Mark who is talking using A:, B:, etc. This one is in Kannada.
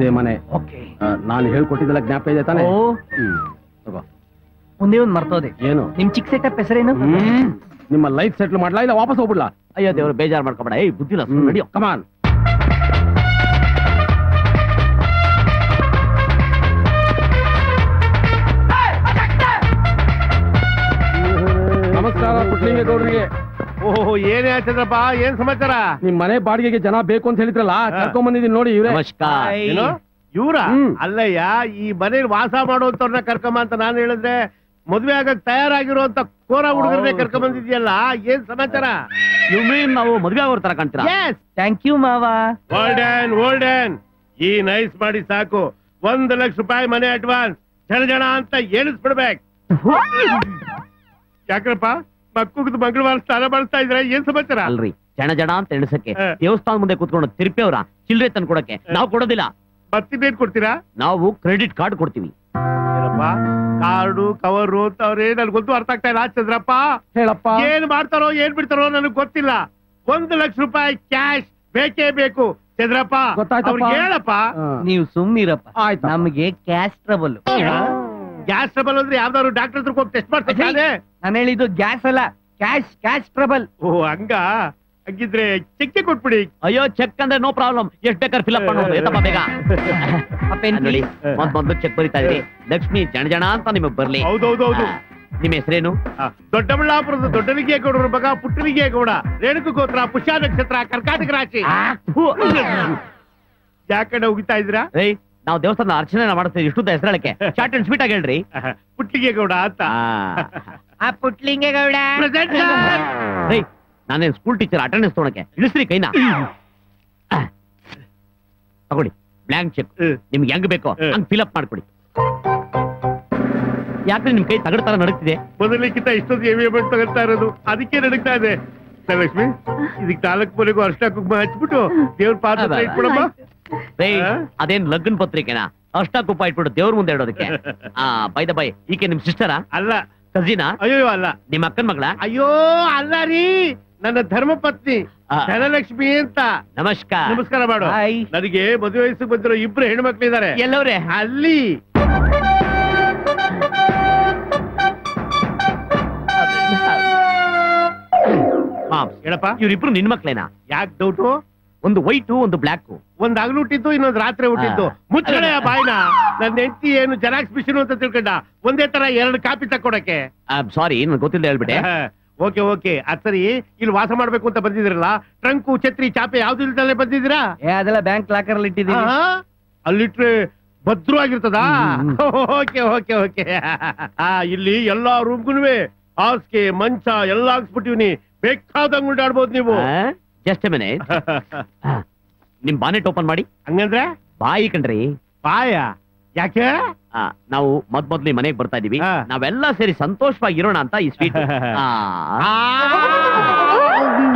A: ಇದೇ ಮನೆ. ನಾನು ಹೇಳ್ಕೊಟ್ಟಿದ್ದೆಲ್ಲ ಜ್ಞಾಪಕ ಇದೆ ತಾನೆ? ತಗೋ.
B: ಒಂದೇ ಒಂದ್ ಮರ್ತೋದೆ.
A: ಏನು?
B: ನಿಮ್ ಚಿಕ್ಕ ಸೆಟಪ್ ಹೆಸರೇನು?
A: ನಿಮ್ಮ ಲೈಫ್ ಸೆಟ್ಲ್ ಮಾಡ್ಲಾ ಇಲ್ಲ ವಾಪಸ್ ಹೋಗ್ಬಿಡ್ಲಾ?
B: ಅಯ್ಯೋ ದೇವ್ರು, ಬೇಜಾರ್ ಮಾಡ್ಕೊಬೇಡ. ಏಯ್ ಬುದ್ಧಿಲ್ಲ, ನಡಿಯೋ.
A: ಕಮಾನ್. ನಮಸ್ಕಾರ ಪುಟ್ಲಿಂಗೇಗೌಡರಿಗೆ.
C: ಓಹೋ, ಏನೇ ಚಂದ್ರಪ್ಪ, ಏನ್ ಸಮಾಚಾರ?
A: ನಿಮ್ ಮನೆ ಬಾಡಿಗೆಗೆ ಜನ ಬೇಕು ಅಂತ ಹೇಳಿದ್ರಲ್ಲ, ಕರ್ಕೊಂಡ್ ಬಂದಿದ್ದೀನಿ ನೋಡಿ. ಇವ್ರೆ.
B: ನಮಸ್ಕಾರ.
C: ಏನು ಇವ್ರ? ಅಲ್ಲಯ್ಯ, ಈ ಮನೇಲಿ ವಾಸ ಮಾಡುವಂತವ್ರನ್ನ ಕರ್ಕೊಂಬ ಅಂತ ನಾನು ಹೇಳಿದ್ರೆ, ಮದ್ವೆ ಆಗಕ್ ತಯಾರಾಗಿರುವಂತ ಕೋರ ಹುಡುಗರನ್ನೇ ಕರ್ಕೊಂಡ್ ಬಂದಿದ್ಯಲ್ಲ, ಏನ್ ಸಮಾಚಾರ?
B: ನಾವು ಮದ್ವೆ ಆಗೋರ್ ತರ ಕಾಣ್ತೀರಾ? ಥ್ಯಾಂಕ್ ಯು ಮಾವ.
C: ಓಲ್ಡನ್ ಈ ನೈಸ್ ಮಾಡಿ ಸಾಕು. 1 ಲಕ್ಷ ರೂಪಾಯಿ ಮನೆ ಅಡ್ವಾನ್ಸ್, ಜನ ಅಂತ ಏಳಿಸ್ಬಿಡ್ಬೇಕು. ಯಾಕ್ರಪ್ಪ ಮಕ್ಕಳು ಮಂಗಳವಾರ ಸ್ನಾನ ಮಾಡಿಸ್ತಾ ಇದ್ರೆ, ಏನ್ ಸಮಾಚಾರ?
B: ಅಲ್ರಿ, ಜನ ಅಂತ ಎಣಿಸಕ್ಕೆ ದೇವಸ್ಥಾನ ಮುಂದೆ ಕೂತ್ಕೊಂಡು ತಿರುಪೇವ್ರ ಚಿಲ್ಲರೆ ತಂದು ಕೊಡಕ್ಕೆ ನಾವು ಕೊಡೋದಿಲ್ಲ.
C: ಮತ್ತಿನ್ನೇನ್ ಕೊಡ್ತೀರಾ?
B: ನಾವು ಕ್ರೆಡಿಟ್ ಕಾರ್ಡ್ ಕೊಡ್ತೀವಿ.
C: ಏನಪ್ಪ ಕಾರ್ಡು ಕವರು ಅಂತವ್ರೆ, ನನ್ಗೊಂದು ಅರ್ಥ ಆಗ್ತಾ ಇಲ್ಲ ಚಂದ್ರಪ್ಪ.
A: ಹೇಳಪ್ಪ.
C: ಏನ್ ಮಾಡ್ತಾರೋ ಏನ್ ಬಿಡ್ತಾರೋ ನನಗ್ ಗೊತ್ತಿಲ್ಲ. 1 ಲಕ್ಷ ರೂಪಾಯಿ ಕ್ಯಾಶ್ ಬೇಕೇ ಬೇಕು ಚಂದ್ರಪ್ಪ. ಹೇಳಪ್ಪ.
B: ನೀವು ಸುಮ್ನಿರಪ್ಪ. ನಮ್ಗೆ ಕ್ಯಾಶ್ ಟ್ರಬಲ್.
C: ಗ್ಯಾಸ್ ಟ್ರಬಲ್ ಅಂದ್ರೆ ಯಾವ್ದಾದ್ರು ಡಾಕ್ಟರ್ ಹತ್ರ ಹೋಗಿ ಟೆಸ್ಟ್ ಮಾಡ್ತಾರೆ.
B: ನಾನು ಹೇಳಿದ್ದು ಗ್ಯಾಸ್ ಅಲ್ಲ, ಕ್ಯಾಶ್ ಟ್ರಬಲ್.
C: ಓ ಹಂಗ? ಹಂಗಿದ್ರೆ ಚೆಕ್ ಕೊಟ್ಬಿಡಿ.
B: ಅಯ್ಯೋ, ಚೆಕ್ ಅಂದ್ರೆ ನೋ ಪ್ರಾಬ್ಲಮ್, ಎಷ್ಟ್ ಬೇಕಾದ್ರೆ ಫಿಲ್ ಅಪ್ ಮಾಡೋದು. ಎತ್ತಪ್ಪ ಬೇಗ. ನೋಡಿ, ಮೊದ್ಲು ಚೆಕ್ ಬರೀತಾ ಇದ್ರಿ. ಲಕ್ಷ್ಮಿ ಜನ ಅಂತ ನಿಮಗ್ ಬರ್ಲಿ.
C: ಹೌದೌದೌದು.
B: ನಿಮ್ ಹೆಸರೇನು?
C: ದೊಡ್ಡಬಳ್ಳಾಪುರದ ದೊಡ್ಡಲಿಂಗೇಗೌಡರ ಮಗ ಪುಟ್ಟಲಿಂಗೇಗೌಡ. ರೇಣುಕ ಗೋತ್ರ, ಪುಷ್ಯ ನಕ್ಷತ್ರ, ಕರ್ಕಾಟಕ ರಾಶಿ. ಯಾಕಡೆ ಹೋಗಿತಾ ಇದ್ರಾ?
B: ನಾವು ದೇವಸ್ಥಾನ ಅರ್ಚನೆ ಮಾಡ್ತೀವಿ. ಇಷ್ಟು ಹೆಸರಳಕ್ಕೆ ಶಾರ್ಟ್ ಅಂಡ್ ಸ್ವೀಟ್ ಆಗಿ ಹೇಳ್ರಿ.
C: ಪುಟ್ಲಿಂಗೇಗೌಡ ಅಂತ.
B: ಪುಟ್ಲಿಂಗೇಗೌಡ. ನಾನೇನ್ ಸ್ಕೂಲ್ ಟೀಚರ್, ಅಟೆಂಡೆನ್ಸ್ ತೊಗೊಳಕ್ಕೆ. ಇಳಿಸ್ರಿ ಕೈನಾ. ತಗೊಳ್ಳಿ ಬ್ಲಾಂಕ್ ಚೆಕ್. ನಿಮ್ಗೆ ಹೆಂಗ್ ಬೇಕೋ ಹಂಗ್ ಫಿಲ್ ಅಪ್ ಮಾಡ್ಕೊಡಿ. ಯಾಕ್ರೆ ನಿಮ್ ಕೈ ತಗಡ ತರ ನಡಕ್ತಿದೆ?
C: ಮೊದಲಿಕ್ಕಿಂತ ಇಷ್ಟೊಂದು ಹೆವಿ ಅಮೌಂಟ್ ತಗೊಳ್ತಾ ಇರೋದು, ಅದಕ್ಕೆ ನಡಕ್ತಾ ಇದೆ. ಲಕ್ಷ್ಮಿ, ಇದಕ್ಕೆ 4 ಮನೆಗೂ ಅರ್ಶಿನ ಕುಂಕುಮ ಹಚ್ಬಿಟ್ಟು ದೇವ್ರ ಪಾತ್ರ ಇಟ್ಬಿಡಮ್ಮ.
B: ಅದೇನ್ ಲಗ್ನ ಪತ್ರಿಕೆನಾ? ಅರ್ಶಿನ ಕುಂಕುಮ ಇಟ್ಬಿಟ್ಟು ದೇವ್ರ ಮುಂದೆ ಇಡೋದಕ್ಕೆ? ಬೈ ದ ಬೈ, ಈಕೆ ನಿಮ್ ಸಿಸ್ಟರಾ?
C: ಅಲ್ಲ.
B: ಕಜಿನಾ?
C: ಅಯ್ಯೋ ಅಲ್ಲ.
B: ನಿಮ್ಮ ಅಕ್ಕನ ಮಗಳ?
C: ಅಯ್ಯೋ ಅಲ್ಲ ರೀ, ನನ್ನ ಧರ್ಮ ಪತ್ನಿ ಧನಲಕ್ಷ್ಮಿ ಅಂತ.
B: ನಮಸ್ಕಾರ.
C: ನಮಸ್ಕಾರ ಮಾಡು. ನನಗೆ ಮದುವೆ ವಯಸ್ಸಿಗೆ ಬಂದಿರೋ 2 ಹೆಣ್ಮಕ್ಳಿದ್ದಾರೆ.
B: ಎಲ್ಲವ್ರೆ?
C: ಅಲ್ಲಿ. ಹೇಳಪ್ಪ.
B: ಇವ್ರಿಬ್ರು ನಿನ್ ಮಕ್ಳೇನಾ?
C: ಯಾಕೆ ಡೌಟು?
B: ಒಂದು ವೈಟು, ಒಂದು ಬ್ಲಾಕ್.
C: ಒಂದ್ ಹಗಲು ಹುಟ್ಟಿದ್ದು, ಇನ್ನೊಂದು ರಾತ್ರಿ ಹುಟ್ಟಿದ್ದು. ಮುಚ್ಚಳೆ ಬಾಯ್ನ. ನನ್ನ ಹೆಂಡತಿ ಏನು ಜೆರಾಕ್ಸ್ ಮಿಷಿನ್ ಅಂತ ತಿಳ್ಕೊಂಡ, ಒಂದೇ ತರ 2 ಕಾಪಿ ತಕ್ಕೊಡಕ್ಕೆ.
B: ಸಾರಿ, ನನ್ ಗೊತ್ತಿಲ್ಲ ಹೇಳ್ಬಿಟ್ಟೆ.
C: ಓಕೆ ಅದ್ ಸರಿ, ಇಲ್ಲಿ ವಾಸ ಮಾಡ್ಬೇಕು ಅಂತ ಬಂದಿದ್ರಲ್ಲ, ಟ್ರಂಕು ಛತ್ರಿ ಚಾಪೆ ಯಾವ್ದು ಇಲ್ದಲ್ಲೇ ಬಂದಿದ್ದೀರಾ?
B: ಅದೆಲ್ಲ ಬ್ಯಾಂಕ್ ಲಾಕರ್ ಅಲ್ಲಿ ಇಟ್ಟಿದ್ದೀನಿ.
C: ಅಲ್ಲಿಟ್ರೆ ಭದ್ರವಾಗಿರ್ತದ? ಓಕೆ. ಇಲ್ಲಿ ಎಲ್ಲಾ ರೂಮ್ಗುನುವೆ ಹಾಸಿಗೆ ಮಂಚ ಎಲ್ಲ ಹಾಕ್ಸ್ಬಿಟ್ಟಿವ್ನಿ. ಬೇಕಾದಂಗ್ ಉಂಟಾಡ್ಬೋದು ನೀವು.
B: Just minute. ನಿಮ್ ಬಾನೆಟ್ ಓಪನ್ ಮಾಡಿ.
C: ಹಂಗಂದ್ರೆ?
B: ಬಾಯಿ ಕಣ್ರಿ.
C: ಬಾಯ? ಯಾಕೆ?
B: ನಾವು ಮೊದ್ಲು ಮನೆಗೆ ಬರ್ತಾ ಇದೀವಿ. ನಾವೆಲ್ಲ ಸೇರಿ ಸಂತೋಷವಾಗಿರೋಣ ಅಂತ ಈ ಸ್ವೀಟ್.